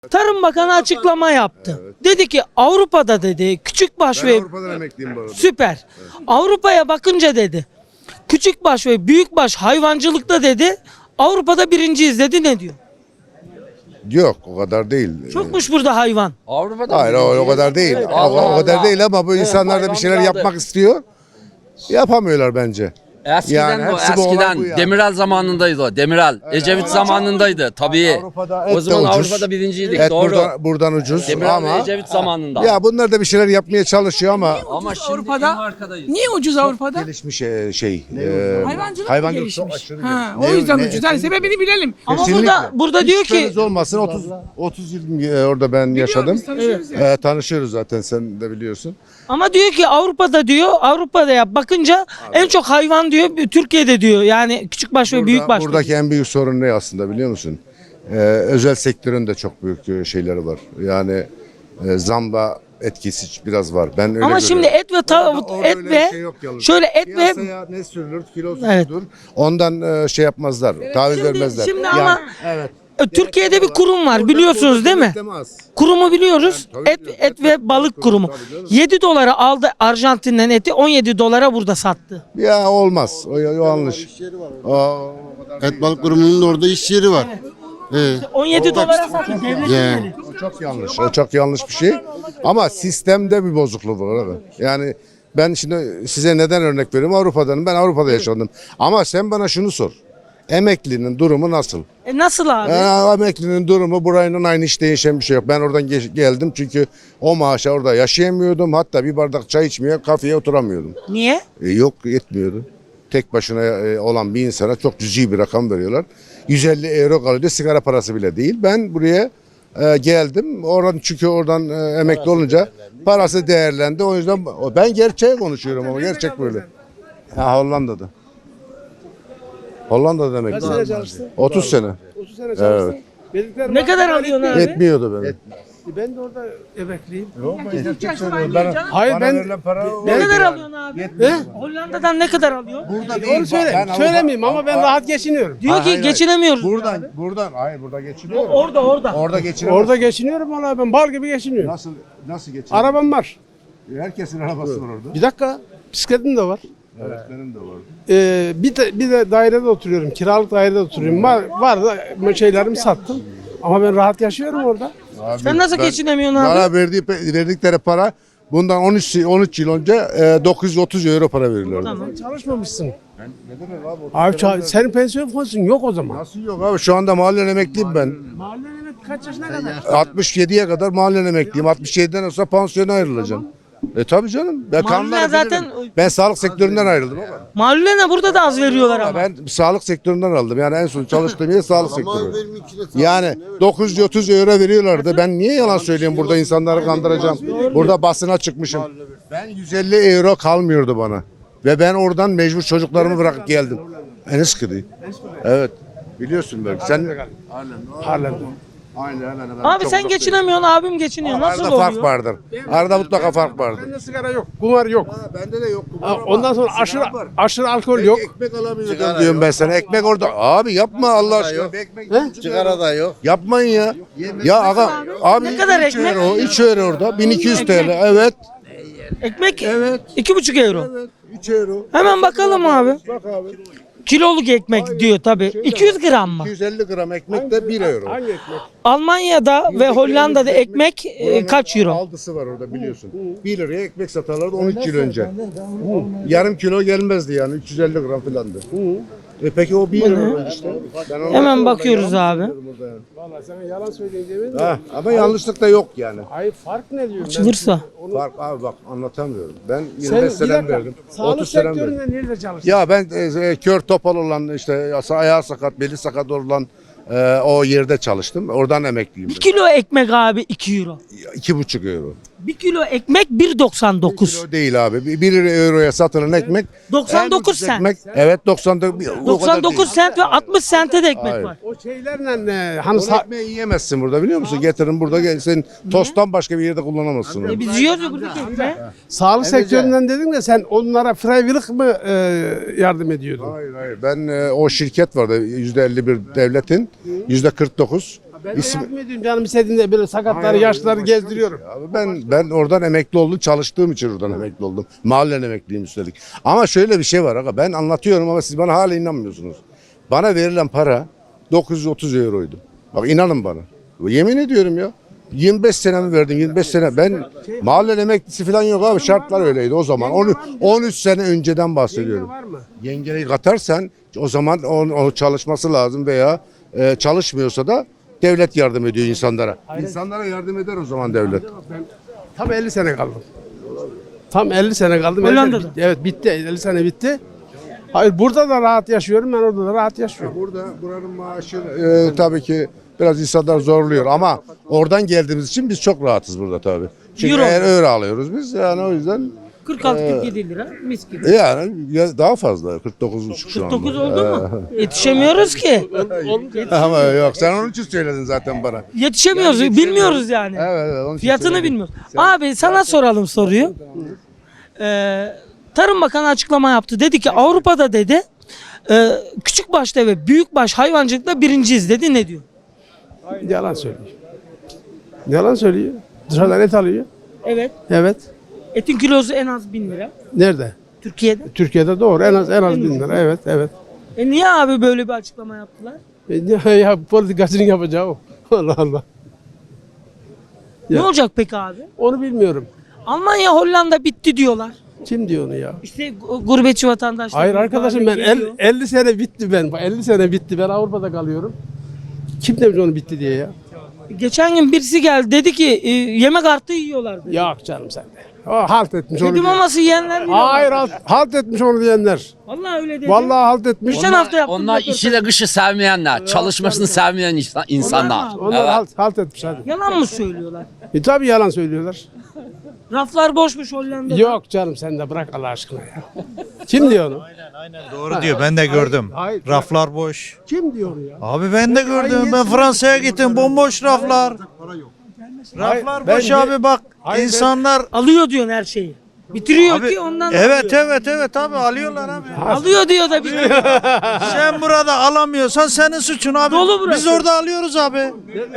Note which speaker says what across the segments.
Speaker 1: Tarım Bakanı açıklama yaptı. Dedi ki Avrupa'da dedi küçükbaş
Speaker 2: Ben
Speaker 1: ve
Speaker 2: Avrupa'dan emekliyim bu arada.
Speaker 1: süper. Avrupa'ya bakınca dedi küçükbaş ve büyükbaş hayvancılıkta dedi Avrupa'da birinciyiz dedi, ne diyor?
Speaker 2: Yok, o kadar değil.
Speaker 1: Çokmuş burada hayvan.
Speaker 3: Avrupa'da
Speaker 2: Hayır, o kadar değil. O kadar değil ama bu insanlar da bir şeyler yapmak istiyor. Yapamıyorlar bence.
Speaker 3: Eskiden
Speaker 2: Yani
Speaker 3: o
Speaker 2: hepsi bu olay
Speaker 3: eskiden
Speaker 2: bu yani.
Speaker 3: Demirel zamanındaydı o. Demirel. Ecevit zamanındaydı tabii.
Speaker 2: Avrupa'da et
Speaker 3: O zaman
Speaker 2: de ucuz.
Speaker 3: Avrupa'da birinciydik,
Speaker 2: Et
Speaker 3: doğru.
Speaker 2: buradan ucuz
Speaker 3: Demirel
Speaker 2: ama
Speaker 3: Ecevit zamanında.
Speaker 2: ya bunlar da bir şeyler yapmaya çalışıyor ama
Speaker 3: Ama şimdi
Speaker 4: Avrupa'da
Speaker 3: en arkadayız.
Speaker 4: niye ucuz Avrupa'da?
Speaker 2: gelişmiş
Speaker 4: Hayvancılık mı
Speaker 2: hayvancılık
Speaker 4: gelişmiş?
Speaker 2: çok aşırı
Speaker 4: Ha,
Speaker 2: gelişmiş.
Speaker 4: o yüzden
Speaker 2: Ne-
Speaker 4: ucuz. Yani sebebini bilelim.
Speaker 1: Ama
Speaker 2: Kesinlikle.
Speaker 1: burada diyor
Speaker 2: Hiç
Speaker 1: ki
Speaker 2: şüpheniz olmasın 30 yıl orada ben yaşadım.
Speaker 4: biz tanışıyoruz ya.
Speaker 2: Tanışıyoruz zaten, sen de biliyorsun.
Speaker 1: ama diyor ki Avrupa'da yap bakınca en çok hayvan diyor Türkiye'de diyor. Yani küçükbaş ve büyükbaş.
Speaker 2: Buradaki en büyük sorun ne aslında biliyor musun? Özel sektörün de çok büyük şeyleri var. Yani zamla etkisi biraz var. Ben öyle
Speaker 1: Ama şimdi
Speaker 2: görüyorum.
Speaker 1: et ve tavuk
Speaker 2: Orada
Speaker 1: et
Speaker 2: öyle
Speaker 1: ve
Speaker 2: bir şey yok yalnız.
Speaker 1: şöyle et ve
Speaker 2: Piyasaya ne sürülür, kilosu
Speaker 1: Evet.
Speaker 2: şudur. Ondan şey yapmazlar, taviz vermezler.
Speaker 1: şimdi
Speaker 2: Yani-
Speaker 1: ama
Speaker 2: evet.
Speaker 1: Türkiye'de bir kurum var biliyorsunuz değil mi?
Speaker 2: Denetleme az.
Speaker 1: Kurumu biliyoruz.
Speaker 2: tabii
Speaker 1: Et ve balık kurumu.
Speaker 2: tabii canım.
Speaker 1: 7 dolara aldı Arjantin'den eti, 17 dolara burada sattı.
Speaker 2: Ya olmaz. O yanlış. O kadar
Speaker 5: Et balık kurumunun da orada iş yeri var.
Speaker 1: 17 dolara sattı devletin
Speaker 5: Yani.
Speaker 1: eli.
Speaker 2: O çok yanlış. O çok yanlış bir şey. Ama sistemde bir bozukluk var abi. Yani ben şimdi size neden örnek veriyorum? Avrupa'danım. Ben Avrupa'da yaşadım. Ama sen bana şunu sor. Emeklinin durumu nasıl?
Speaker 1: Nasıl abi?
Speaker 2: Emeklinin durumu burayla aynı, hiç değişen bir şey yok. Ben oradan geldim çünkü o maaşa orada yaşayamıyordum. Hatta bir bardak çay içmeye kafeye oturamıyordum.
Speaker 1: Niye?
Speaker 2: Yok, yetmiyordu. Tek başına olan bir insana çok cüzi bir rakam veriyorlar. 150 euro kalıyor, sigara parası bile değil. Ben buraya geldim. Çünkü oradan emekli olunca parası değerlendi. O yüzden ben gerçeği konuşuyorum ama gerçek böyle. Ha, Hollanda'da. Hollanda'da emekli.
Speaker 6: Kaç sene çalıştın?
Speaker 2: 30 sene.
Speaker 6: 30 sene çalıştın.
Speaker 2: Evet.
Speaker 1: Ne kadar alıyorsun abi?
Speaker 2: Yetmiyordu benim.
Speaker 6: Ben de orada emekliyim.
Speaker 4: Hayır ben
Speaker 1: Ne kadar alıyorsun abi? Hollanda'dan ne kadar alıyor?
Speaker 6: onu söylemeyeyim ama ben rahat geçiniyorum.
Speaker 1: Diyor ki geçinemiyoruz.
Speaker 2: Buradan hayır, burada geçiniyor.
Speaker 1: Orada.
Speaker 2: Geçiniyor.
Speaker 6: Orada geçiniyorum valla ben bal gibi geçiniyorum.
Speaker 2: Nasıl geçiniyor?
Speaker 6: Arabam var.
Speaker 2: Herkesin arabası var orada.
Speaker 6: Bir dakika bisikletim de var.
Speaker 2: Öğretmenim de var.
Speaker 6: Bir de dairede oturuyorum. Kiralık dairede oturuyorum. Var da şeylerimi sattım. Ama ben rahat yaşıyorum orada.
Speaker 1: Sen nasıl geçinemiyorsun abi?
Speaker 2: Bana verdikleri para bundan 13 yıl önce 930 euro para veriyorlardı.
Speaker 1: Tamam.
Speaker 6: Çalışmamışsın. Abi senin pensiyon fonsun yok o zaman.
Speaker 2: Nasıl yok abi, şu anda mahallen emekliyim ben.
Speaker 6: Mahallen kaç yaşına kadar?
Speaker 2: 67'ye kadar mahallen emekliyim. 67'den sonra pansiyona ayrılacağım. Tabii canım. Ben kanunları
Speaker 1: zaten-
Speaker 2: bilirim. Ben sağlık sektöründen ayrıldım ama.
Speaker 1: Mahallene burada da az veriyorlar ama.
Speaker 2: Ben sağlık sektöründen aldım. Yani en son çalıştığım yer sağlık sektörü. Yani 930 euro veriyorlardı. Ben niye yalan söyleyeyim, burada insanları kandıracağım. Burada basına çıkmışım. Ben 150 euro kalmıyordu bana. Ve ben oradan mecbur çocuklarımı bırakıp geldim. Eneskili. Evet. Biliyorsun belki. Sen
Speaker 6: Harlem'de.
Speaker 2: Aynen.
Speaker 1: Abi sen geçinemiyorsun, abim geçiniyor. Nasıl
Speaker 2: Arada fark
Speaker 1: oluyor?
Speaker 2: vardır. Arada mutlaka fark vardır.
Speaker 6: Bende sigara yok, kumar yok.
Speaker 2: Bende de yok.
Speaker 6: Ondan sonra aşırı alkol yok.
Speaker 2: Ekmek alamıyordum diyorum ben sana. Ekmek orada. Abi yapma Allah aşkına.
Speaker 5: Sigara da yok.
Speaker 2: Yapmayın ya. Ya abi
Speaker 1: Ne kadar
Speaker 2: 3
Speaker 1: ekmek?
Speaker 2: euro, 3 euro orada. 1200 TL. Evet.
Speaker 1: Ekmek 2,5 euro.
Speaker 2: 3 euro.
Speaker 1: Hemen bakalım abi.
Speaker 2: Bak abi.
Speaker 1: Kiloluk ekmek diyor tabi. 200 gram mı?
Speaker 2: 250 gram ekmek de 1 euro.
Speaker 6: Hangi ekmek?
Speaker 1: Almanya'da ve Hollanda'da ekmek kaç euro?
Speaker 2: Aldısı var orada biliyorsun. 1 liraya ekmek satarlardı 13 yıl önce. Yarım kilo gelmezdi yani, 350 gram filandı. Peki o 1 euro işte.
Speaker 1: Hemen bakıyoruz abi.
Speaker 6: Vallahi sana yalan söyleyeceğim.
Speaker 2: Ama yanlışlık da yok yani.
Speaker 6: Hayır fark ne diyorum
Speaker 1: Açılırsa.
Speaker 2: Fark abi, bak anlatamıyorum. Ben
Speaker 6: Sen
Speaker 2: 25
Speaker 6: bir
Speaker 2: senem
Speaker 6: dakika,
Speaker 2: verdim.
Speaker 6: sağlık
Speaker 2: 30 senem verdim.
Speaker 6: sektöründe nerede çalıştın?
Speaker 2: Ya ben kör topal olan, işte ayağı sakat, beli sakat olan o yerde çalıştım. Oradan emekliyim.
Speaker 1: 1 kilo ekmek abi 2 euro.
Speaker 2: 2,5 euro.
Speaker 1: 1 kilo ekmek 1,99.
Speaker 2: Kilo değil abi. 1 euroya satılan ekmek.
Speaker 1: 99
Speaker 2: en ucuz
Speaker 1: sent.
Speaker 2: ekmek, evet 99.
Speaker 1: 99 sent ve 60 sente de ekmek
Speaker 2: Hayır.
Speaker 1: var.
Speaker 6: O şeylerle hani
Speaker 2: O ekmeği yiyemezsin burada, biliyor musun? Getirin burada, gel. Sen tosttan başka bir yerde kullanamazsın onu.
Speaker 1: Biz yiyoruz ya buradaki ekmeği.
Speaker 6: sağlık sektöründen dedin de sen onlara freiwillig mı yardım ediyordun?
Speaker 2: Hayır. Ben o şirket vardı, %51 devletin, %49
Speaker 6: Ben de yardım ediyorum canım istediğinde böyle sakatları, yaşlıları gezdiriyorum.
Speaker 2: Abi ben oradan emekli oldum, çalıştığım için oradan emekli oldum. Mahallen emekliyim üstelik. Ama şöyle bir şey var aga, ben anlatıyorum ama siz bana hala inanmıyorsunuz. Bana verilen para 930 euroydu. Bak inanın bana. Yemin ediyorum ya. 25 senemi verdim, 25 sene. Ben mahallen emeklisi falan yok abi, şartlar öyleydi o zaman. 13 sene önceden bahsediyorum.
Speaker 6: Var mı?
Speaker 2: Yengeyi katarsan o zaman o çalışması lazım veya çalışmıyorsa da devlet yardım ediyor insanlara. İnsanlara yardım eder o zaman devlet.
Speaker 6: Tam 50 sene kaldım. Tam 50 sene kaldım.
Speaker 1: Hollanda'da.
Speaker 6: Evet bitti. 50 sene bitti. Hayır burada da rahat yaşıyorum. Ben orada da rahat yaşıyorum.
Speaker 2: Buranın maaşı tabii ki biraz insanlar zorluyor ama oradan geldiğimiz için biz çok rahatız burada tabii. Çünkü
Speaker 1: Euro.
Speaker 2: euro alıyoruz biz yani o yüzden
Speaker 1: 46-47 lira mis gibi.
Speaker 2: yani daha fazla 49,5 şu anda.
Speaker 1: 49 oldu mu? Yetişemiyoruz ki.
Speaker 2: Ama yok sen onun için söyledin zaten bana.
Speaker 1: Yetişemiyoruz, bilmiyoruz yani.
Speaker 2: Evet, onun için
Speaker 1: Fiyatını
Speaker 2: söyledim.
Speaker 1: bilmiyoruz. Abi sana soralım soruyu. Tarım Bakanı açıklama yaptı. Dedi ki Avrupa'da dedi küçükbaşta ve büyükbaş hayvancılıkta birinciyiz dedi. Ne diyor?
Speaker 6: Yalan söylüyor. Yalan söylüyor. Dışarıdan et alıyor.
Speaker 1: Evet.
Speaker 6: Evet.
Speaker 1: Etin kilosu en az 1000 lira.
Speaker 6: Nerede?
Speaker 1: Türkiye'de.
Speaker 6: Türkiye'de doğru. En az 1000 lira. Evet, evet.
Speaker 1: Niye abi böyle bir açıklama yaptılar?
Speaker 6: Ya politikacının yapacağı o. Allah Allah.
Speaker 1: Ne
Speaker 6: Ya.
Speaker 1: olacak peki abi?
Speaker 6: Onu bilmiyorum.
Speaker 1: Almanya, Hollanda bitti diyorlar.
Speaker 6: Kim diyor onu ya?
Speaker 1: İşte gurbetçi vatandaşlar.
Speaker 6: Hayır arkadaşım ben
Speaker 1: geliyor.
Speaker 6: 50 sene bitti ben. 50 sene bitti. Ben Avrupa'da kalıyorum. Kim demiş onu bitti diye ya?
Speaker 1: Geçen gün birisi geldi dedi ki yemek artığı yiyorlar dedi.
Speaker 6: Yok canım sen de. O halt etmiş onu
Speaker 1: Kedi
Speaker 6: diyor.
Speaker 1: maması yiyenler yiyorlar.
Speaker 6: Hayır halt etmiş onu diyenler.
Speaker 1: Vallahi öyle dedi.
Speaker 6: Vallahi halt etmiş.
Speaker 1: Geçen hafta yaptım.
Speaker 3: Onlar işiyle kışı sevmeyenler, çalışmasını sevmeyen insanlar.
Speaker 6: Onlar
Speaker 3: Evet.
Speaker 6: halt etmiş hadi.
Speaker 1: Yalan mı söylüyorlar?
Speaker 6: Tabii yalan söylüyorlar.
Speaker 1: Raflar boşmuş Hollanda'da.
Speaker 6: Yok canım sen de bırak Allah aşkına ya. Kim diyor onu?
Speaker 7: Doğru diyor, ben de gördüm.
Speaker 6: hayır.
Speaker 7: Raflar boş.
Speaker 6: Kim diyor onu ya?
Speaker 7: Abi ben de gördüm. Ben Fransa'ya gittim, bomboş raflar. Raflar
Speaker 6: ben
Speaker 7: boş
Speaker 6: de-
Speaker 7: abi bak.
Speaker 6: Hayır,
Speaker 7: insanlar
Speaker 1: Alıyor diyorsun her şeyi. Bitiriyor
Speaker 7: abi,
Speaker 1: ki ondan
Speaker 7: evet
Speaker 1: alıyor.
Speaker 7: evet abi alıyorlar abi.
Speaker 1: Alıyor diyor da bitiriyor.
Speaker 7: Sen burada alamıyorsan senin suçun abi.
Speaker 1: Dolu burası.
Speaker 7: Biz orada alıyoruz abi.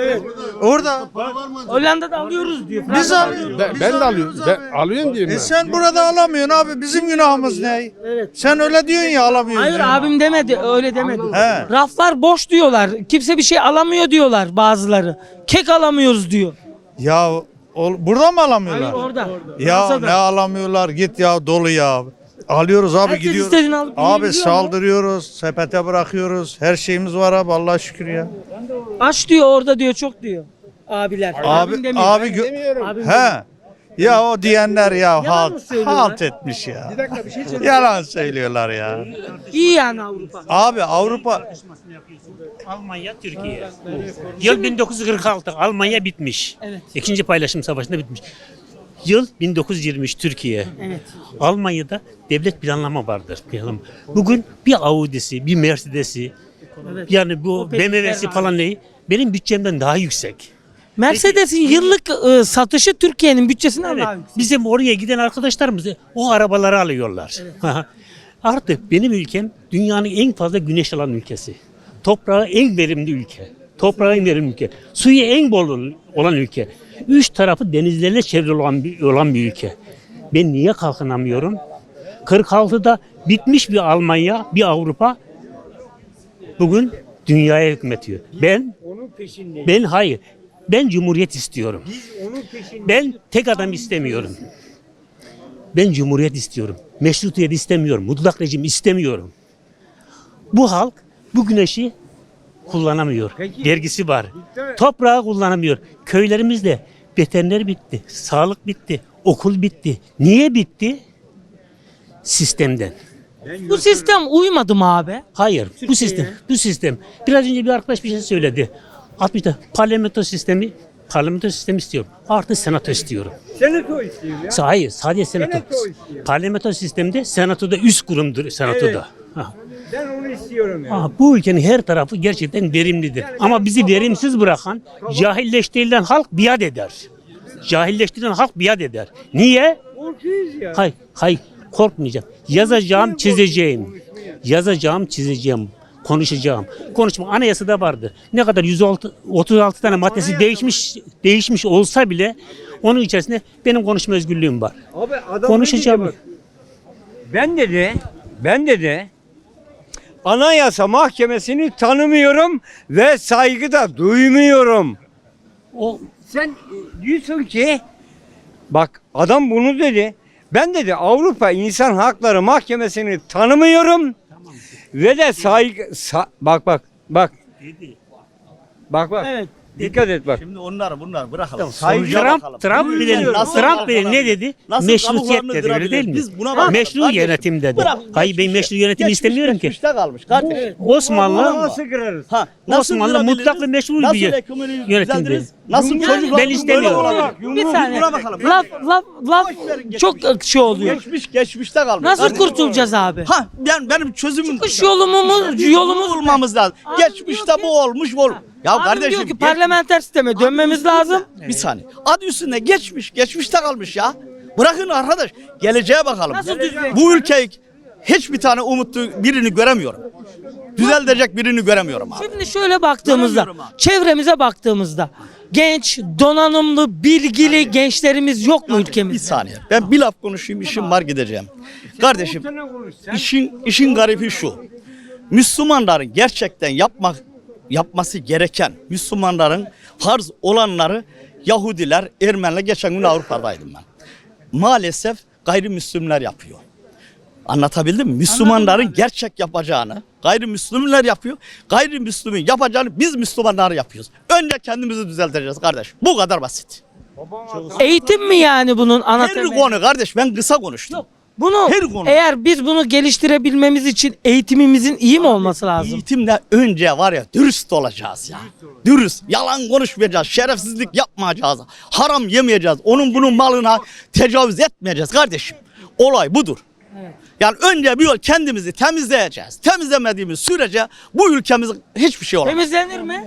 Speaker 7: Orada.
Speaker 1: Hollanda'da alıyoruz diyor.
Speaker 7: Biz
Speaker 1: Fransa'da
Speaker 7: alıyoruz.
Speaker 6: Ben de alıyorum. Ben alıyorum diyorum ben.
Speaker 7: Sen burada alamıyorsun abi. Bizim günahımız ne?
Speaker 1: Evet.
Speaker 7: Sen öyle diyorsun ya alamıyorsun.
Speaker 1: Hayır
Speaker 7: ya.
Speaker 1: abim demedi öyle demedi.
Speaker 7: He.
Speaker 1: Raflar boş diyorlar. Kimse bir şey alamıyor diyorlar bazıları. Kek alamıyoruz diyor.
Speaker 7: Ya burada mı
Speaker 1: Hayır
Speaker 7: alamıyorlar?
Speaker 1: orada.
Speaker 7: Ya
Speaker 1: Fransa'da.
Speaker 7: ne alamıyorlar git ya dolu ya. Alıyoruz abi
Speaker 1: Herkes
Speaker 7: gidiyoruz.
Speaker 1: istediğini alıp
Speaker 7: Abi
Speaker 1: yiyebiliyor
Speaker 7: saldırıyoruz, sepete bırakıyoruz. Her şeyimiz var abi Allah'a şükür ya.
Speaker 1: Aç diyor orada diyor çok diyor. Abiler.
Speaker 7: Abi
Speaker 1: Abim demiyor.
Speaker 7: abi
Speaker 1: Abim demiyor.
Speaker 7: he. Ya o diyenler ya
Speaker 1: mı
Speaker 7: halt,
Speaker 1: söylüyorlar?
Speaker 7: halt etmiş ya. Yalan söylüyorlar ya.
Speaker 1: İyi yani Avrupa.
Speaker 7: Abi Avrupa
Speaker 8: Almanya, Türkiye. Yıl 1946 Almanya bitmiş.
Speaker 1: Evet.
Speaker 8: İkinci paylaşım savaşında bitmiş. Yıl 1923 Türkiye.
Speaker 1: Evet.
Speaker 8: Almanya'da devlet planlama vardır. Bugün bir Audi'si, bir Mercedes'i,
Speaker 1: Evet.
Speaker 8: yani bu
Speaker 1: Opel,
Speaker 8: BMW'si
Speaker 1: Ferrari.
Speaker 8: falan ne? Benim bütçemden daha yüksek.
Speaker 1: Mercedes'in yıllık satışı Türkiye'nin bütçesinden
Speaker 8: Evet,
Speaker 1: daha yüksek.
Speaker 8: bizim oraya giden arkadaşlarımız o arabaları alıyorlar. Artık benim ülkem dünyanın en fazla güneş alan ülkesi. Toprağı en verimli ülke. Toprağı en verimli ülke. Suyu en bol olan ülke. Üç tarafı denizlerle çevrili olan bir ülke. Ben niye kalkınamıyorum? 46'da bitmiş bir Almanya, bir Avrupa bugün dünyaya hükmetiyor. Ben hayır. Ben cumhuriyet istiyorum. Ben tek adam istemiyorum. Ben cumhuriyet istiyorum. Meşrutiyet istemiyorum. Mutlak rejim istemiyorum. Bu halk bu güneşi kullanamıyor. Vergisi var. Toprağı kullanamıyor. Köylerimizde veteriner bitti. Sağlık bitti. Okul bitti. Niye bitti? Sistemden.
Speaker 1: Bu sistem uymadı mı abi?
Speaker 8: Hayır. Bu sistem. Biraz önce bir arkadaş bir şey söyledi. 60'ta parlamento sistemi istiyorum. Artı senato istiyorum.
Speaker 9: Senato istiyor ya.
Speaker 8: Hayır, sadece senato.
Speaker 9: Senato istiyor.
Speaker 8: Parlamento sistemde senatoda üst kurumdur senatoda.
Speaker 9: Evet.
Speaker 8: Ha.
Speaker 9: Ben onu istiyorum ya.
Speaker 8: Bu ülkenin her tarafı gerçekten verimlidir. Ama bizi verimsiz bırakan, cahilleştirilen halk biat eder. Cahilleştirilen halk biat eder. Niye?
Speaker 9: Korkuyoruz ya.
Speaker 8: Hayır, korkmayacağım. Yazacağım, çizeceğim. konuşacağım. Konuşma anayasada vardı. Ne kadar 136 tane maddesi değişmiş olsa bile onun içerisinde benim konuşma özgürlüğüm var.
Speaker 9: Abi adam
Speaker 8: Konuşacağım.
Speaker 9: ne dedi bak? Ben dedi Anayasa Mahkemesi'ni tanımıyorum ve saygı da duymuyorum.
Speaker 8: O
Speaker 9: Sen diyorsun ki bak adam bunu dedi. Ben dedi Avrupa İnsan Hakları Mahkemesi'ni tanımıyorum ve de bak. Bak.
Speaker 1: Evet.
Speaker 9: Dikkat et bak.
Speaker 7: Şimdi bunlar bırakalım.
Speaker 8: Trump bile ne dedi?
Speaker 7: Nasıl
Speaker 8: Meşrutiyet
Speaker 7: kabuklarını
Speaker 8: dedi öyle
Speaker 7: kırabilir?
Speaker 8: değil mi?
Speaker 7: Biz buna bakalım.
Speaker 8: Meşru
Speaker 7: Kardeşim,
Speaker 8: yönetim dedi.
Speaker 7: bırak,
Speaker 8: Hayır ben meşru yönetim istemiyorum ki.
Speaker 7: Geçmişte kalmış kardeşim.
Speaker 8: Osmanlı
Speaker 9: Nasıl kırarız?
Speaker 7: Ha, nasıl
Speaker 8: Osmanlı
Speaker 7: kırabiliriz?
Speaker 8: mutlak ve meşru
Speaker 7: Nasıl
Speaker 8: bir
Speaker 7: ekonomiyi
Speaker 8: yönetimdi.
Speaker 7: düzeltiriz? Nasıl
Speaker 8: Yani
Speaker 7: çocuklar
Speaker 8: ben istemiyorum.
Speaker 1: Bir saniye.
Speaker 7: Buna bakalım.
Speaker 1: Laf çok şey oluyor.
Speaker 7: Geçmişte kalmış.
Speaker 1: Nasıl
Speaker 7: Kardeşim.
Speaker 1: kurtulacağız abi?
Speaker 7: Ha benim çözümüm.
Speaker 1: Çıkış yolumuz
Speaker 7: bulmamız lazım. Geçmişte bu olmuş ol. Ya
Speaker 1: Abim
Speaker 7: kardeşim
Speaker 1: diyor ki parlamenter sisteme dönmemiz lazım.
Speaker 7: bir saniye. Adı üstünde geçmişte kalmış ya. Bırakın arkadaş. Geleceğe bakalım.
Speaker 1: Nasıl düzelecek?
Speaker 7: Bu ülkeyi hiçbir tane umutlu birini göremiyorum. Düzelecek birini göremiyorum abi.
Speaker 1: Şimdi şöyle baktığımızda,
Speaker 7: Göremiyorum abi.
Speaker 1: çevremize baktığımızda genç, donanımlı, bilgili gençlerimiz yok mu
Speaker 7: Bir
Speaker 1: ülkemizde?
Speaker 7: saniye. Ben bir laf konuşayım, işim var gideceğim. Kardeşim, işin garibi şu. Müslümanların gerçekten yapması gereken, Müslümanların farz olanları Yahudiler, Ermeniler, geçen gün Avrupa'daydım ben. Maalesef gayrimüslimler yapıyor. Anlatabildim mi? Müslümanların gerçek yapacağını gayrimüslimler yapıyor. Gayrimüslimin yapacağını biz Müslümanlar yapıyoruz. Önce kendimizi düzelteceğiz kardeş. Bu kadar basit.
Speaker 1: Eğitim mi yani bunun ana
Speaker 7: Her
Speaker 1: temeli?
Speaker 7: konu kardeş, ben kısa konuştum.
Speaker 1: Bunu
Speaker 7: her konu.
Speaker 1: eğer biz bunu geliştirebilmemiz için eğitimimizin iyi mi olması lazım?
Speaker 7: Eğitimde önce var ya dürüst olacağız ya. Dürüst. Yalan konuşmayacağız. Şerefsizlik yapmayacağız. Haram yemeyeceğiz. Onun bunun malına tecavüz etmeyeceğiz kardeşim. Olay budur. Yani önce bir yol kendimizi temizleyeceğiz. Temizlemediğimiz sürece bu ülkemiz hiçbir şey olamaz.
Speaker 1: Temizlenir mi?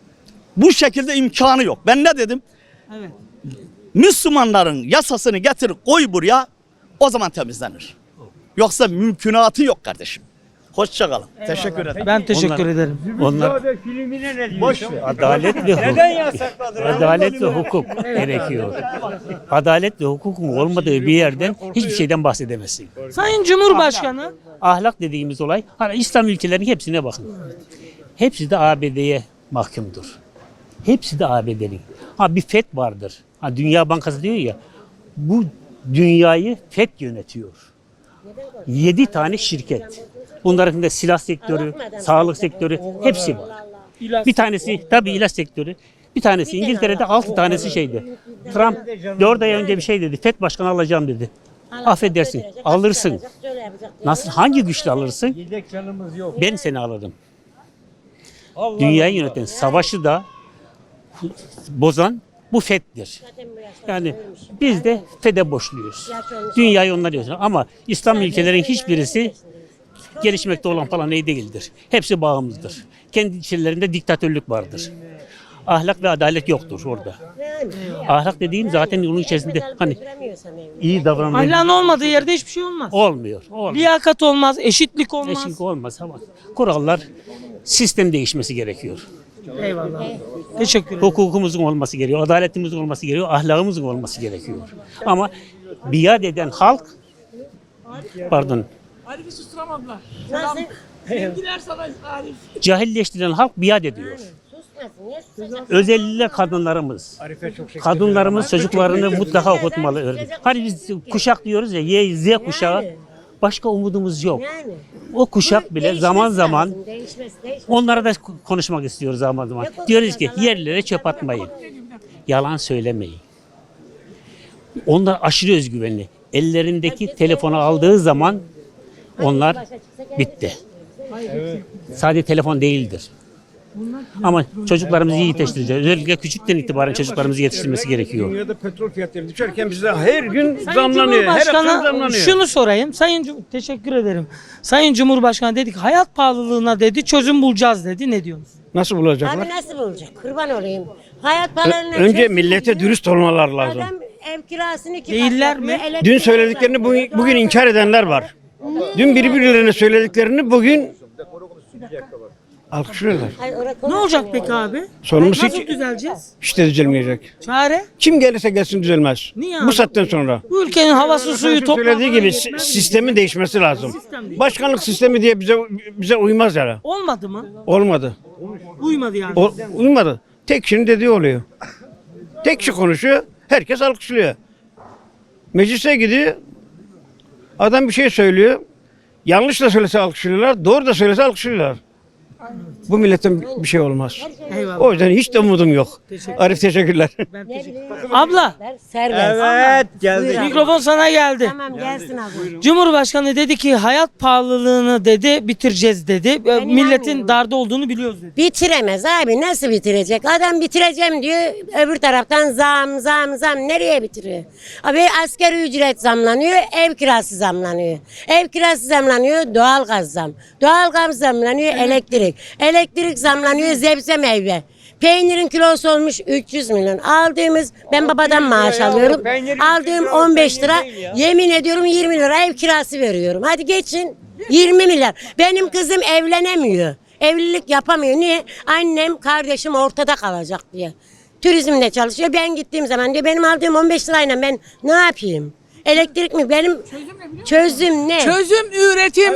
Speaker 7: Bu şekilde imkanı yok. Ben ne dedim?
Speaker 1: Evet.
Speaker 7: Müslümanların yasasını getir koy buraya, o zaman temizlenir. Yoksa mümkünatı yok kardeşim. Hoşça kalın. Teşekkür ederim.
Speaker 1: Ben teşekkür ederim.
Speaker 8: Onlar
Speaker 9: Filmine ne diyorsun?
Speaker 7: Boş ver.
Speaker 8: adalet ve hukuk.
Speaker 9: Neden yasakladılar?
Speaker 8: Adalet ve hukuk gerekiyor. Adalet ve hukukun olmadığı bir yerden hiçbir şeyden bahsedemezsin.
Speaker 1: Sayın Cumhurbaşkanı
Speaker 8: Ahlak dediğimiz olay, hani İslam ülkelerinin hepsine bakın. Hepsi de ABD'ye mahkumdur. Hepsi de ABD'nin. Ha bir FED vardır. Ha Dünya Bankası diyor ya, bu dünyayı FED yönetiyor. 7 tane şirket. Bunların da silah sektörü, sağlık sektörü hepsi var. Bir tanesi tabii ilaç sektörü. Bir tanesi İngiltere'de 6 tanesi şeydi. Trump 4 ay önce bir şey dedi. FED başkanı alacağım dedi. Affedersin, alırsın. Nasıl, hangi güçle alırsın?
Speaker 9: Yedek canımız yok.
Speaker 8: Ben seni alırım. Dünyayı yöneten, savaşı da bozan bu FED'dir. Yani biz de FED'e borçluyuz. Dünyayı onlar yönetiyor. Ama İslam ülkelerin hiçbirisi gelişmekte olan falan iyi değildir. Hepsi bağımlıdır. Kendi içlerinde diktatörlük vardır. Ahlak ve adalet yoktur orada. Ahlak dediğim zaten onun içerisinde hani iyi davranmak
Speaker 1: ahlakın olmadığı yerde hiçbir şey olmaz.
Speaker 8: olmuyor. Olmuyor.
Speaker 1: Liyakat olmaz, eşitlik olmaz.
Speaker 8: Eşlik olmaz ama kurallar, sistem değişmesi gerekiyor.
Speaker 1: Eyvallah. Teşekkür ederim.
Speaker 8: Hukukumuzun olması gerekiyor, adaletimizin olması gerekiyor, ahlakımızın olması gerekiyor. Ama biat eden halk, pardon,
Speaker 4: Arif'i susturamadılar. Sevgiler sana Arif.
Speaker 8: cahilleştiren halk biat ediyor. Özellikle kadınlarımız. Kadınlarımız çocuklarını mutlaka okutmalı. Hani biz kuşak diyoruz ya, Y, Z kuşağı. Başka umudumuz yok. O kuşak bile zaman zaman onlara da konuşmak istiyoruz zaman zaman. Diyoruz ki yerlere çöp atmayın. Yalan söylemeyin. Onlar aşırı özgüvenli. Ellerindeki telefonu aldığı zaman onlar bitti. Sadece telefon değildir. Ama çocuklarımızı iyi yetiştireceğiz. Özellikle küçükten itibaren çocuklarımızı yetiştirmesi gerekiyor.
Speaker 9: Dünyada petrol fiyatları düşerken bizde her gün
Speaker 1: Sayın
Speaker 9: zamlanıyor. Her hafta
Speaker 1: Cumhurbaşkanı
Speaker 9: zamlanıyor.
Speaker 1: şunu sorayım. Teşekkür ederim. Sayın Cumhurbaşkanı dedik hayat pahalılığına dedi çözüm bulacağız dedi. Ne diyorsunuz?
Speaker 9: Nasıl bulacaklar?
Speaker 10: Abi nasıl bulacak? Kurban olayım. Hayat pahalarına
Speaker 9: Önce
Speaker 10: çözüm
Speaker 9: millete
Speaker 10: diyor.
Speaker 9: dürüst olmalar lazım.
Speaker 10: Adam ev kirasını iki
Speaker 1: Değiller
Speaker 10: kat yapıyor,
Speaker 1: mi?
Speaker 10: elektrik
Speaker 9: Dün söylediklerini bugün inkar edenler var. Dün birbirlerine söylediklerini bugün
Speaker 6: Alkışlıyorlar.
Speaker 10: Ay, oraya
Speaker 1: Ne
Speaker 10: konuş
Speaker 1: olacak
Speaker 10: ya.
Speaker 1: peki abi?
Speaker 6: Sonumuz
Speaker 1: Nasıl
Speaker 6: hiç,
Speaker 1: düzeleceğiz?
Speaker 6: hiç de düzelmeyecek.
Speaker 1: Çare?
Speaker 6: Kim gelirse gelsin düzelmez.
Speaker 1: Niye
Speaker 6: Bu
Speaker 1: abi?
Speaker 6: saatten sonra.
Speaker 1: Bu ülkenin havası suyu toprağı
Speaker 6: Söylediği
Speaker 1: falan
Speaker 6: gibi
Speaker 1: yetmez mi?
Speaker 6: sistemin değişmesi lazım.
Speaker 1: Sistem değil.
Speaker 6: Başkanlık sistemi diye bize uymaz yani.
Speaker 1: Olmadı mı?
Speaker 6: Olmadı.
Speaker 1: Uymadı yani.
Speaker 6: Uymadı. Tek kişinin dediği oluyor. Tek kişi konuşuyor, herkes alkışlıyor. Meclise gidiyor, adam bir şey söylüyor. Yanlış da söylese alkışlıyorlar, doğru da söylese alkışlıyorlar. Bu milletten bir şey olmaz.
Speaker 1: Eyvallah.
Speaker 6: O yüzden hiç de umudum yok. Arif teşekkürler.
Speaker 1: Abla
Speaker 10: Serbest.
Speaker 9: Evet geldi.
Speaker 10: Buyur abi.
Speaker 1: mikrofon sana geldi.
Speaker 10: Tamam gelsin abi.
Speaker 1: Cumhurbaşkanı dedi ki hayat pahalılığını dedi bitireceğiz dedi. Milletin
Speaker 10: inanmıyorum.
Speaker 1: darda olduğunu biliyoruz dedi.
Speaker 10: Bitiremez abi, nasıl bitirecek? Adam bitireceğim diyor, öbür taraftan zam nereye bitiriyor? Abi asgari ücret zamlanıyor, ev kirası zamlanıyor. Ev kirası zamlanıyor, doğalgaz zam. Doğalgaz zamlanıyor, elektrik zamlanıyor, sebze meyve. Peynirin kilosu olmuş 300 milyon. Aldığımız, ben babadan maaş alıyorum. Aldığım 15 lira, yemin ediyorum 20 lira ev kirası veriyorum. Hadi geçin, 20 milyar. Benim kızım evlenemiyor. Evlilik yapamıyor. Niye? Annem, kardeşim ortada kalacak diye. Turizmde çalışıyor. Ben gittiğim zaman diyor benim aldığım 15 lirayla ben ne yapayım? Elektrik mi? Benim çözüm ne?
Speaker 4: Çözüm üretim.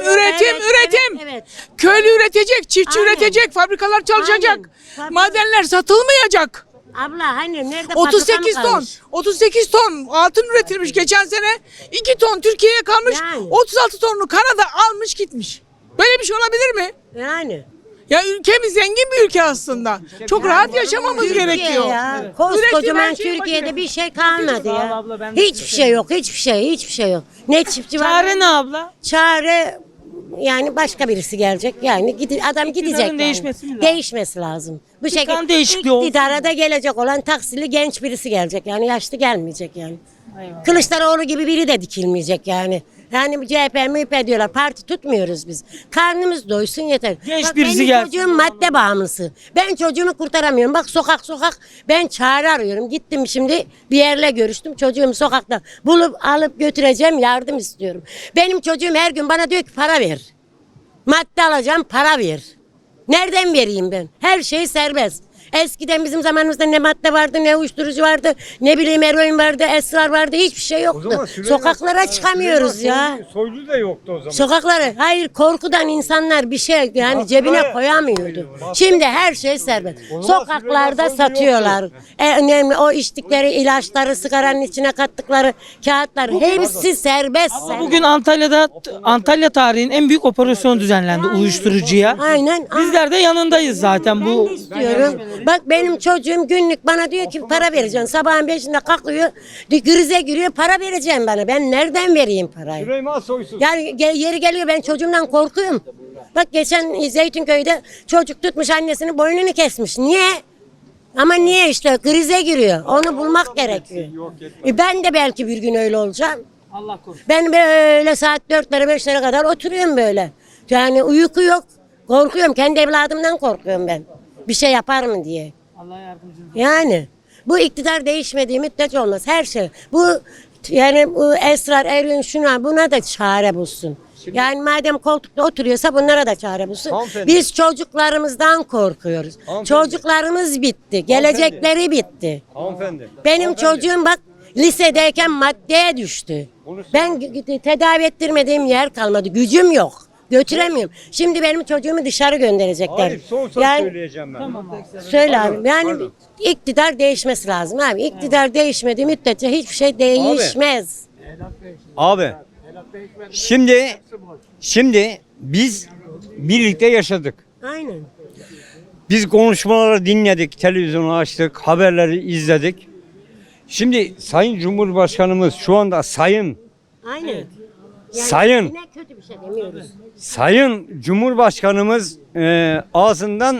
Speaker 10: Evet.
Speaker 4: Köylü üretecek, çiftçi
Speaker 10: Aynen.
Speaker 4: üretecek, fabrikalar çalışacak.
Speaker 10: Aynen.
Speaker 4: Madenler satılmayacak.
Speaker 10: Abla hani nerede
Speaker 4: 38
Speaker 10: fabrika mı
Speaker 4: ton.
Speaker 10: kalmış?
Speaker 4: 38 ton altın üretilmiş geçen sene. 2 ton Türkiye'ye kalmış.
Speaker 10: Yani.
Speaker 4: 36 tonlu Kanada almış gitmiş. Böyle bir şey olabilir mi?
Speaker 10: Yani.
Speaker 4: Ya ülkemiz zengin bir ülke aslında. Çok rahat yaşamamız
Speaker 10: Türkiye
Speaker 4: gerekiyor.
Speaker 10: ya.
Speaker 4: Üretim
Speaker 10: Koskocaman
Speaker 4: her şeyin
Speaker 10: Türkiye'de
Speaker 4: başına.
Speaker 10: bir şey kalmadı
Speaker 1: Sağ ol
Speaker 10: ya.
Speaker 1: abla, ben de
Speaker 10: Hiçbir şey yok, hiçbir şey yok. Ne çiftçi var?
Speaker 1: Çare ne abla?
Speaker 10: Çare yani başka birisi gelecek. Yani adam gidecek. Yani.
Speaker 1: değişmesi mi lazım?
Speaker 10: Değişmesi lazım. Bu
Speaker 1: kan değişikliği olsun.
Speaker 10: iktidara da gelecek olan taksili genç birisi gelecek. Yani yaşlı gelmeyecek yani. Kılıçdaroğlu gibi biri de dikilmeyecek yani. Yani bu CHP, MHP diyorlar. Parti tutmuyoruz biz. Karnımız doysun yeter.
Speaker 1: Genç birisi
Speaker 10: benim
Speaker 1: gelsin.
Speaker 10: çocuğum madde bağımlısı. Ben çocuğumu kurtaramıyorum. Bak sokak ben çare arıyorum. Gittim şimdi bir yerle görüştüm. Çocuğumu sokakta bulup alıp götüreceğim. Yardım istiyorum. Benim çocuğum her gün bana diyor ki para ver. Madde alacağım, para ver. Nereden vereyim ben? Her şey serbest. Eskiden bizim zamanımızda ne madde vardı, ne uyuşturucu vardı, ne bileyim eroin vardı, esrar vardı, hiçbir şey yoktu. Sokaklara çıkamıyoruz ya.
Speaker 9: Soylu da yoktu o zaman.
Speaker 10: Sokaklara, hayır korkudan insanlar bir şey yani cebine koyamıyordu. Şimdi her şey serbest. Sokaklarda satıyorlar. Önemli o içtikleri ilaçları, sigaranın içine kattıkları kağıtlar hepsi serbest.
Speaker 1: Bugün Antalya tarihinin en büyük operasyonu düzenlendi uyuşturucuya.
Speaker 10: Aynen.
Speaker 1: Bizler de yanındayız zaten
Speaker 10: Ben
Speaker 1: bu.
Speaker 10: de istiyorum. Bak benim çocuğum günlük bana diyor ki para vereceksin. Sabahın 5'inde kalkıyor, krize giriyor, para vereceğim bana. Ben nereden vereyim parayı?
Speaker 9: Süleyman Soysuz.
Speaker 10: Yani yeri geliyor ben çocuğumdan korkuyorum. Bak geçen Zeytinköy'de çocuk tutmuş annesinin boynunu kesmiş. Niye? Ama niye işte krize giriyor. Onu bulmak gerekiyor. Ben de belki bir gün öyle olacağım.
Speaker 1: Allah korusun.
Speaker 10: Ben böyle saat 4'lere 5'lere kadar oturuyorum böyle. Yani uyku yok. Korkuyorum. Kendi evladımdan korkuyorum ben. Bir şey yapar mı diye.
Speaker 1: Allah yardımcınız.
Speaker 10: Yani bu iktidar değişmediği müddetçe olmaz. Her şey. Bu yani bu esrar, eroin şuna buna da çare bulsun. Yani madem koltukta oturuyorsa bunlara da çare bulsun.
Speaker 9: Hanımefendi.
Speaker 10: Biz çocuklarımızdan korkuyoruz. Çocuklarımız bitti. Gelecekleri bitti.
Speaker 9: Hanımefendi.
Speaker 10: Benim çocuğum bak lisedeyken maddeye düştü. Ben tedavi ettirmediğim yer kalmadı. Gücüm yok. Götüremiyorum. Şimdi benim çocuğumu dışarı gönderecekler.
Speaker 9: Arif son söz söyleyeceğim ben.
Speaker 10: Söyle abi. Yani iktidar değişmesi lazım abi. İktidar değişmediği müddetçe hiçbir şey değişmez.
Speaker 9: Abi. Şimdi biz birlikte yaşadık.
Speaker 10: Aynen.
Speaker 9: Biz konuşmaları dinledik, televizyonu açtık, haberleri izledik. Şimdi Sayın Cumhurbaşkanımız şu anda sayın
Speaker 10: Aynen.
Speaker 9: Sayın.
Speaker 10: Yine kötü bir şey demiyoruz.
Speaker 9: Sayın Cumhurbaşkanımız ağzından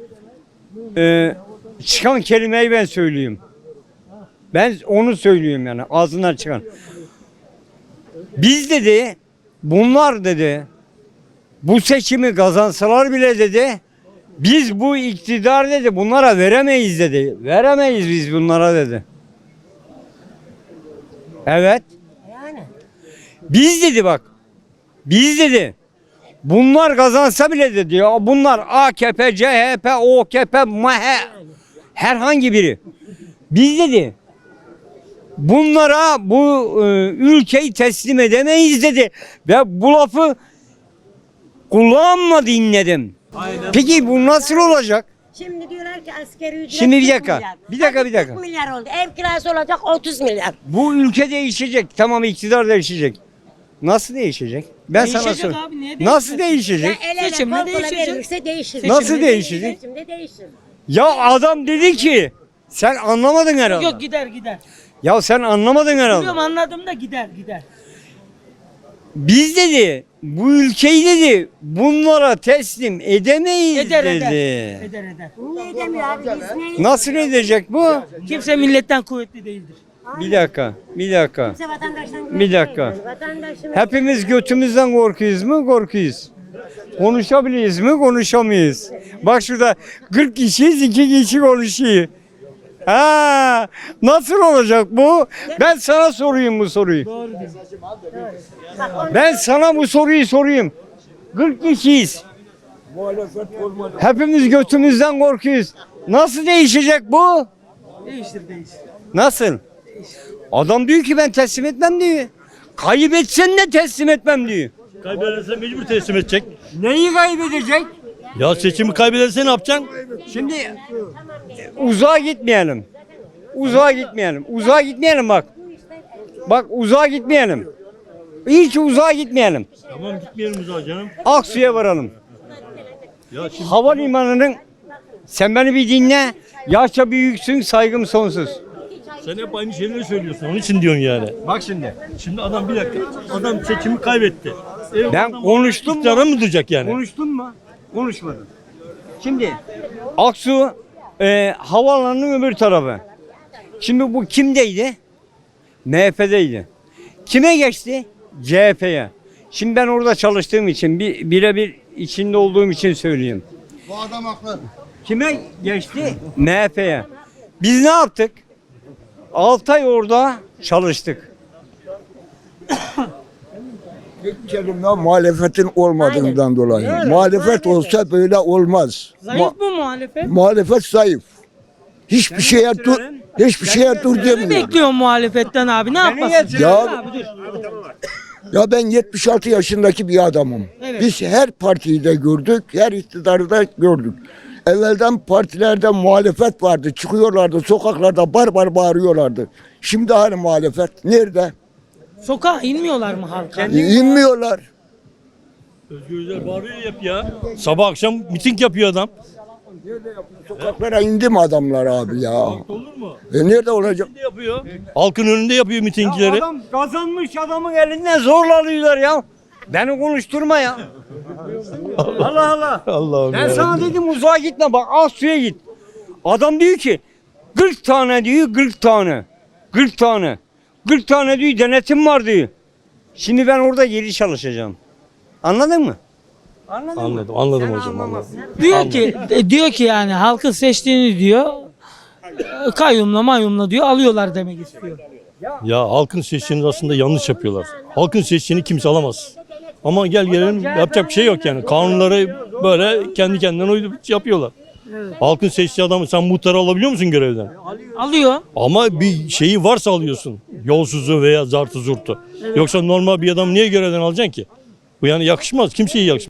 Speaker 9: çıkan kelimeyi ben söyleyeyim. Ben onu söylüyorum yani ağzından çıkan. Biz dedi, bunlar dedi, bu seçimi kazansalar bile dedi, biz bu iktidar dedi bunlara veremeyiz dedi. Veremeyiz biz bunlara dedi. Evet.
Speaker 10: Yani.
Speaker 9: Biz dedi bak. Biz dedi Bunlar kazansa bile dedi ya bunlar AKP, CHP, OKP, MHP herhangi biri. Biz dedi bunlara bu ülkeyi teslim edemeyiz dedi ve bu lafı kulağımla dinledim. Peki bu nasıl olacak?
Speaker 10: Şimdi diyorlar ki asgari ücret
Speaker 9: Şimdi bir
Speaker 10: 40
Speaker 9: dakika,
Speaker 10: milyar.
Speaker 9: bir dakika,
Speaker 10: Hadi
Speaker 9: bir dakika.
Speaker 10: 40 milyar oldu. Ev kirası olacak 30 milyar.
Speaker 9: Bu ülke değişecek. Tamam iktidar değişecek. Nasıl değişecek? Ben sana
Speaker 1: Değişecek
Speaker 9: söyleyeyim.
Speaker 1: abi, niye
Speaker 9: Nasıl
Speaker 1: değişmez?
Speaker 9: değişecek?
Speaker 10: El ele
Speaker 1: Seçimle
Speaker 10: kol kola
Speaker 1: değişecek.
Speaker 10: verilirse değişir.
Speaker 9: Nasıl değişecek?
Speaker 10: Seçimde değişir.
Speaker 9: Ya adam dedi ki sen anlamadın herhalde.
Speaker 1: Yok gider gider.
Speaker 9: Ya sen anlamadın herhalde.
Speaker 1: Biliyorum anladım da gider gider.
Speaker 9: Biz dedi bu ülkeyi dedi bunlara teslim edemeyiz
Speaker 1: Eder
Speaker 9: dedi.
Speaker 1: eder. Eder eder.
Speaker 10: Niye edemiyor abi? Biz neyiz?
Speaker 9: Nasıl edecek bu?
Speaker 1: Kimse milletten kuvvetli değildir.
Speaker 9: Bir dakika, bir dakika.
Speaker 10: Kimse vatandaştan
Speaker 9: Bir dakika.
Speaker 10: Vatandaşın
Speaker 9: Hepimiz götümüzden korkuyuz mu? Korkuyuz. Konuşabiliriz mi? Konuşamayız. Bak şurada 40 kişiyiz, 2 kişi konuşuyor. Ha, nasıl olacak bu? Ben sana sorayım bu soruyu. Ben sana bu soruyu sorayım. 40 kişiyiz. Hepimiz götümüzden korkuyoruz. Nasıl değişecek bu?
Speaker 1: Değiştir değiştir.
Speaker 9: Nasıl? Adam diyor ki ben teslim etmem diyor. Kaybetsen de teslim etmem diyor.
Speaker 8: Kaybederse mecbur teslim edecek.
Speaker 9: Neyi kaybedecek?
Speaker 8: Ya seçimi kaybederse ne yapacaksın?
Speaker 9: Şimdi uzağa gitmeyelim. Uzağa gitmeyelim. Uzağa gitmeyelim bak. Bak uzağa gitmeyelim. Hiç uzağa gitmeyelim.
Speaker 8: Tamam gitmeyelim uzağa canım.
Speaker 9: Aksu'ya varalım.
Speaker 8: Ya şimdi
Speaker 9: Havalimanının sen beni bir dinle. Yaşça büyüksün, saygım sonsuz.
Speaker 8: sen hep aynı şeyleri söylüyorsun. Onun için diyorsun yani.
Speaker 9: Bak şimdi.
Speaker 8: Şimdi adam bir dakika. Adam seçimi kaybetti.
Speaker 9: Ben konuştum mu?
Speaker 8: İktidara mı duracak yani?
Speaker 9: Konuştun mu? Konuşmadım. Şimdi Aksu havaalanının öbür tarafı. Şimdi bu kimdeydi? MHP'deydi. Kime geçti? CHP'ye. Şimdi ben orada çalıştığım için birebir içinde olduğum için söyleyeyim.
Speaker 5: Bu adam haklı.
Speaker 9: Kime geçti? MHP'ye. Biz ne yaptık? 6 ay orada çalıştık.
Speaker 11: Kelimde muhalefetin olmadığından dolayı.
Speaker 10: Doğru,
Speaker 11: Muhalefet
Speaker 10: muhalefet.
Speaker 11: olsa böyle olmaz.
Speaker 1: Zayıf mı muhalefet?
Speaker 11: Muhalefet zayıf. Hiçbir şeye dur, hiçbir şeye dur
Speaker 1: Ne
Speaker 11: demiyor.
Speaker 1: bekliyor muhalefetten abi? Ne yapmasın?
Speaker 11: Ya-
Speaker 1: Abi, dur.
Speaker 11: Ya ben 76 yaşındaki bir adamım.
Speaker 1: Evet.
Speaker 11: Biz her partiyi de gördük, her iktidarı da gördük. Evvelden partilerde muhalefet vardı. Çıkıyorlardı sokaklarda bar bağırıyorlardı. Şimdi hani muhalefet nerede?
Speaker 1: Sokağa inmiyorlar mı halka?
Speaker 11: İnmiyorlar.
Speaker 8: Özgür Özel bağırıyor hep ya. Sabah akşam miting yapıyor adam.
Speaker 11: Sokaklara indi mi adamlar abi ya?
Speaker 8: Olur mu?
Speaker 11: Nerede olacak?
Speaker 8: Ne yapıyor? Halkın önünde yapıyor mitingleri.
Speaker 9: Adam kazanmış adamın elinden zorla alıyorlar ya. Beni konuşturma ya. Allah Allah.
Speaker 8: Allah'ım
Speaker 9: Ben sana dedim uzağa gitme bak Aksu'ya git. Adam diyor ki 40 tane diyor 40 tane. 40 tane. 40 tane diyor denetim var diyor. Şimdi ben orada geri çalışacağım. Anladın mı? Anladın mı?
Speaker 8: Anladım
Speaker 9: Sen
Speaker 8: hocam.
Speaker 9: anlamazsın.
Speaker 1: Diyor ki yani halkın seçtiğini diyor kayyumla mayumla diyor alıyorlar demek istiyor.
Speaker 8: Ya halkın seçtiğini aslında yanlış yapıyorlar. Halkın seçtiğini kimse alamaz. Ama gel gelelim yapacak bir şey yok yani. Kanunları böyle kendi kendine uydurup yapıyorlar. Halkın seçtiği adamı sen muhtarı alabiliyor musun görevden?
Speaker 1: Alıyor.
Speaker 8: Ama bir şeyi varsa alıyorsun. Yolsuzu veya zartı zurtu. Yoksa normal bir adam niye görevden alacaksın ki? Bu yani yakışmaz. Kimseye yakışmaz.